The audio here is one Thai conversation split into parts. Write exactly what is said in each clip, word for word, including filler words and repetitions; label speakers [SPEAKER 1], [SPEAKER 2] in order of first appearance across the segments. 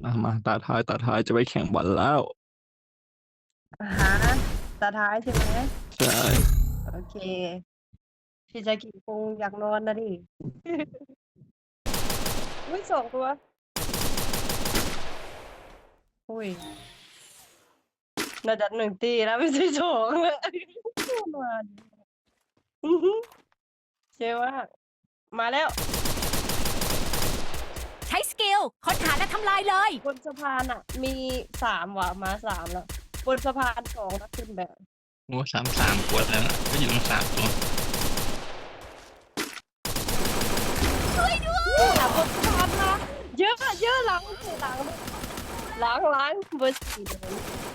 [SPEAKER 1] มามาตาท้ายตาท้ายจะไปแข่งบอลแล้ว
[SPEAKER 2] อ่าฮะตาท้ายใช่ไหม
[SPEAKER 1] ใช่
[SPEAKER 2] โอเค พี่จะกี่คงอยากนอนนะดิ อุ้ยสองตัว อุ้ยน่าจะหนึ่งตีแล้วไม่ใช่สองเลยมาดิอื้อหือเชื่อว่า มาแล้ว
[SPEAKER 3] ใช้สกิลค้นหาและทำลายเลย
[SPEAKER 2] บนสะพานอ่ะ มีสามว่ะมาสามแล้ว บนสะพานสองนะขึ้นแบบ
[SPEAKER 1] โอ้สามสามกวดแล้วนะก็อยู่ตรงสามตัว
[SPEAKER 2] หลังบนสะพานมาเยอะเยอะหลังหลังหลังหลังเบอร์สี่เลย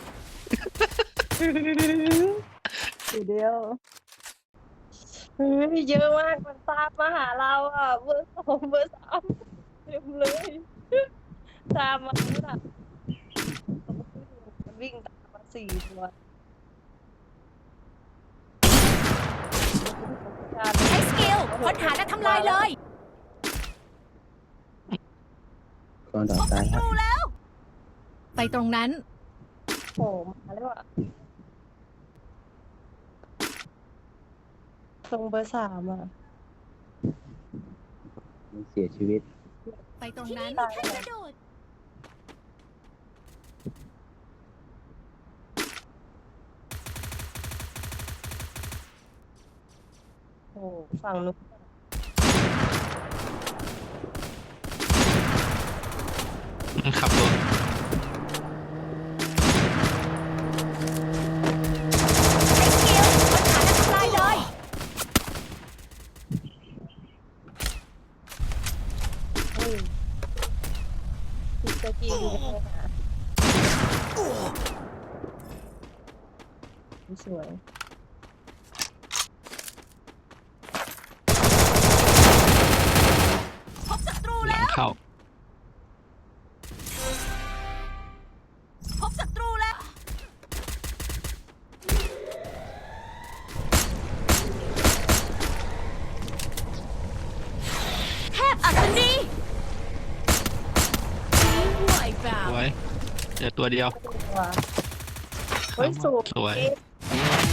[SPEAKER 2] ทีเดียวเฮ้ยเยอะมากมันตามมาหาเราอ่ะเบอร์สองเบอร์สามเต็มเลยตามมาแล้วล่ะมันวิ่งตามมาสี่ตัว
[SPEAKER 3] ใช้สกิลค้นหาและทำลายเลย
[SPEAKER 4] ก่อนต่อตายครับ
[SPEAKER 3] ดูแล้ว ไปตรงนั้น
[SPEAKER 2] โผล่มาแล้วอ่ะตรงเบอร์สามอ่ะ
[SPEAKER 4] มันเสียชีวิต
[SPEAKER 3] ไปตรงนั้น
[SPEAKER 2] ตายแล้ว
[SPEAKER 3] กระโดด
[SPEAKER 2] โอ้ฝั่งนู้น
[SPEAKER 1] มันขับรถ
[SPEAKER 3] ใช้สกิลค้นหาและทำลายเลย
[SPEAKER 2] เฮ้ยพี่จะกินอยู่ยังไงหาสวย
[SPEAKER 3] พบศัตรู
[SPEAKER 1] หลั
[SPEAKER 3] แล้
[SPEAKER 1] ง
[SPEAKER 3] ว
[SPEAKER 1] เข้า
[SPEAKER 3] พบศัตรูแล้ว แทบอัศนีไหวเปล่า
[SPEAKER 1] สวยเจอตัวเดียว
[SPEAKER 2] ตัวเฮ้ยสูง
[SPEAKER 1] สวย
[SPEAKER 2] เอ๊ะ